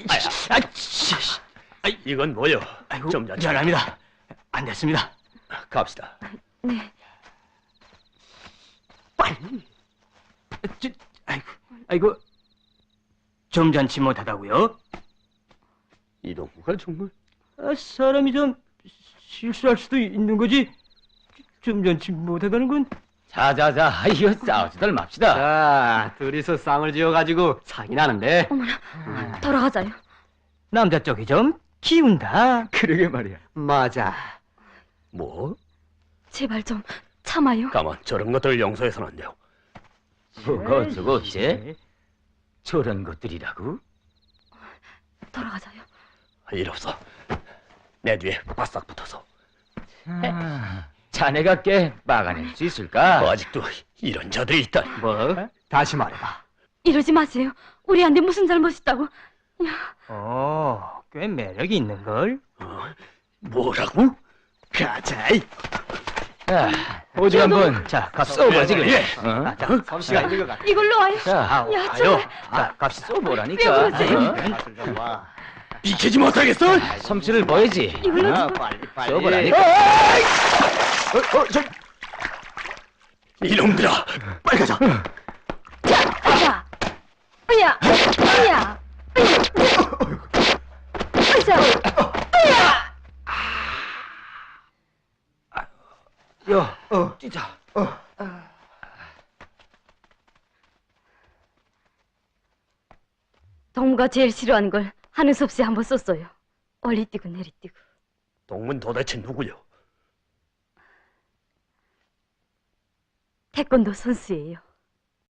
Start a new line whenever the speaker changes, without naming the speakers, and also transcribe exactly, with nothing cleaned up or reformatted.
아야, 아,
이건 뭐요?
아이고,
좀 자.
미안합니다. 안 됐습니다.
갑시다.
네.
빨리. 저, 아이고, 아이고, 점잖지 못하다고요?
이 동무가 정말
아, 사람이 좀 실수할 수도 있는 거지. 점잖지 못하다는 건.
자자자, 이거 싸우지들 맙시다.
자, 둘이서 쌍을 지어가지고 사기 나는데.
어머나, 돌아가자요.
남자 쪽이 좀 기운다.
그러게 말이야.
맞아.
뭐?
제발 좀 참아요.
가만, 저런 것들 용서해서는 안 돼요.
뭐가 어쩌고 어째? 저런 것들이라고?
돌아가자요.
일 없어. 내 뒤에 바싹 붙어서.
아, 자네가 꽤 막아낼 수 있을까?
뭐 아직도 이런 자들이 있다니.
뭐? 다시 말해봐.
이러지 마세요. 우리한테 무슨 잘못 있다고?
어, 꽤 매력이 있는 걸.
어? 뭐라고? 가자. 이.
자, 오직 한번
자, 갑
쏘보지게.
예.
어?
아, 자,
솜씨가 있는 것 같아.
이걸로 와요.
자,
야,
아요.
제발.
자, 갑시
왜
쏘보라니까.
그러세요?
어?
와.
비키지 못하겠어?
솜씨를 보이지.
이걸로
어?
좀-
빨리 빨리.
쏘보라니까.
어, 어, 저... 이놈들아, 빨리 가자.
자, 으야, 으야, 으야, 으야.
야, 어, 뛰자.
동무가 제일 싫어하는 걸 하는 수 없이 한번 썼어요. 얼리 뛰고 내리 뛰고.
동문 도대체 누구요?
태권도 선수예요.